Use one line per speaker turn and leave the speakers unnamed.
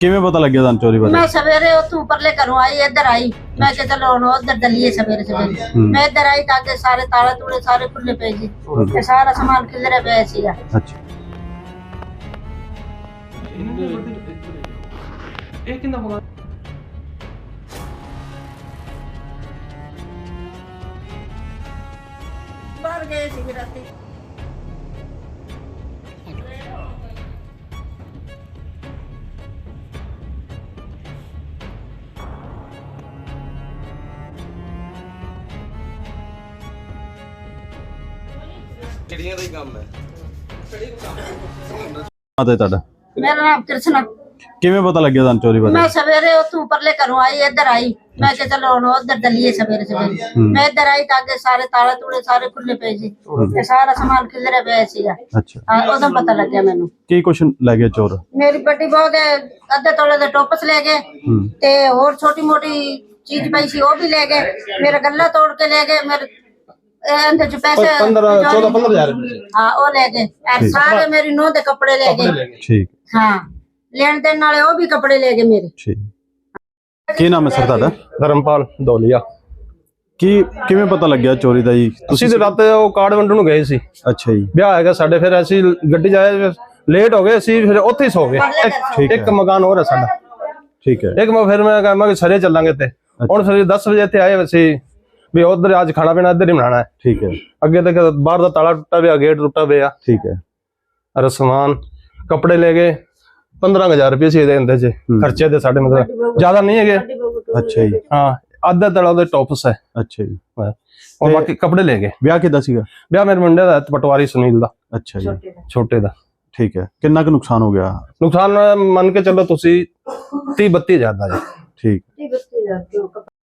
ਕਿਵੇਂ ਪਤਾ ਲੱਗਿਆ ਤੁਹਾਨੂੰ ਚੋਰੀ ਬਾਰੇ?
मैं सवेरे उतों परले घरों आई इधर आई मैं कि चलो हुण उधर दलिए सवेरे सवेरे मैं इधर आई ताकि सारे ताले तूले सारे खुले पे जी ते सारा सामान किधर पे सीगा।
अच्छा
एक किंदा होगा
बाहर गए सी राती
चिड़िया का ही काम है।
ਆਦੇ ਤੁਹਾਡਾ
मेरा नाम कृष्णा
ਕਿਵੇਂ ਪਤਾ ਲੱਗਿਆ ਤੁਹਾਨੂੰ ਚੋਰੀ ਬਾਰੇ?
मैं सवेरे उतों परले घरों आई इधर आई मैं कि चलो हुण उधर दलिए सवेरे सवेरे मैं इधर आई ताकि सारे ताले तूले सारे खुले पे जी ते सारा सामान किधर पे सीगा।
ਅੱਛਾ
उदों पता लग गया मैनू।
ਕੀ ਕੁਛ ਲੈ ਗਏ ਚੋਰ?
मेरी बड़ी बहू दे अद्धे तोले दे टोपस ले गए ते और छोटी मोटी चीज पई सी वो भी ले गए मेरा गल्ला तोड़ के ले गए मेरे एंदे च पैसे
14-15 हज़ार
हाँ वो ले गए और सारे मेरी नूंह दे कपड़े ले गए।
ਠੀਕ
हाँ लेन देन वाले वो भी कपड़े ले गए मेरे।
ਠੀਕ ਕੀ ਨਾਮ ਹੈ ਸਰ ਤੁਹਾਡਾ?
ਧਰਮਪਾਲ ਦੌਲੀਆ।
ਕੀ ਕਿਵੇਂ ਪਤਾ ਲੱਗਿਆ ਚੋਰੀ ਦਾ ਜੀ?
ਤੁਸੀਂ ਤੇ ਰਾਤ ਉਹ ਕਾਰਡ ਵੰਡਣ ਨੂੰ ਗਏ ਸੀ,
ਅੱਛਾ ਜੀ
ਵਿਆਹ ਹੈਗਾ ਸਾਡੇ, ਫਿਰ ਅਸੀਂ ਗੱਡੀ ਜਾਏ ਲੇਟ ਹੋ ਗਏ ਸੀ, ਫਿਰ ਉੱਥੇ ਹੀ ਸੋ ਗਏ।
ਠੀਕ
ਇੱਕ
ਹੈ
ਮਕਾਨ ਹੋਰ ਹੈ ਸਾਡਾ,
ਠੀਕ ਹੈ
ਇੱਕ ਫਿਰ ਮੈਂ ਕਹਾਂ ਕਿ ਸਰੇ ਚੱਲਾਂਗੇ ਤੇ ਹੁਣ ਫਿਰ 10 ਵਜੇ ਇੱਥੇ ਆਏ ਸੀ ਵੀ ਉਧਰ ਅੱਜ ਖਾਣਾ ਪੀਣਾ ਇੱਧਰ ਹੀ ਬਣਾਉਣਾ ਹੈ।
ਠੀਕ ਹੈ
ਅੱਗੇ ਤੱਕ ਬਾਹਰ ਦਾ ਤਾਲਾ ਟੁੱਟਾ ਪਿਆ, ਗੇਟ ਟੁੱਟਾ ਪਿਆ,
ਠੀਕ ਹੈ
ਅਰ ਸਮਾਨ ਕੱਪੜੇ ਲੈ ਗਏ 15,000 ਰੁਪਏ ਸੀ ਇਹਦੇ ਚ ਖਰਚੇ ਦੇ ਸਾਡੇ, ਮਤਲਬ ਜ਼ਿਆਦਾ ਨਹੀਂ ਹੈਗੇ।
ਅੱਛਾ ਜੀ
ਹਾਂ ਅੱਧਾ ਤਲਾ ਉਹਦੇ ਟੌਪਸ ਹੈ
ਅੱਛਾ ਜੀ
ਔਰ ਬਾਕੀ ਕੱਪੜੇ ਲੈ ਗਏ।
ਵਿਆਹ ਕਿੱਦਾਂ ਸੀਗਾ?
ਵਿਆਹ ਮੇਰੇ ਮੁੰਡੇ ਦਾ ਪਟਵਾਰੀ ਸੁਨੀਲ ਦਾ,
ਅੱਛਾ ਜੀ
ਛੋਟੇ ਦਾ।
ਠੀਕ ਹੈ ਕਿੰਨਾ ਕੁ ਨੁਕਸਾਨ ਹੋ ਗਿਆ?
ਨੁਕਸਾਨ ਮੰਨ ਕੇ ਚੱਲੋ ਤੁਸੀਂ 30-32 ਹਜ਼ਾਰ ਦਾ ਜੀ।
ਠੀਕ।
32,000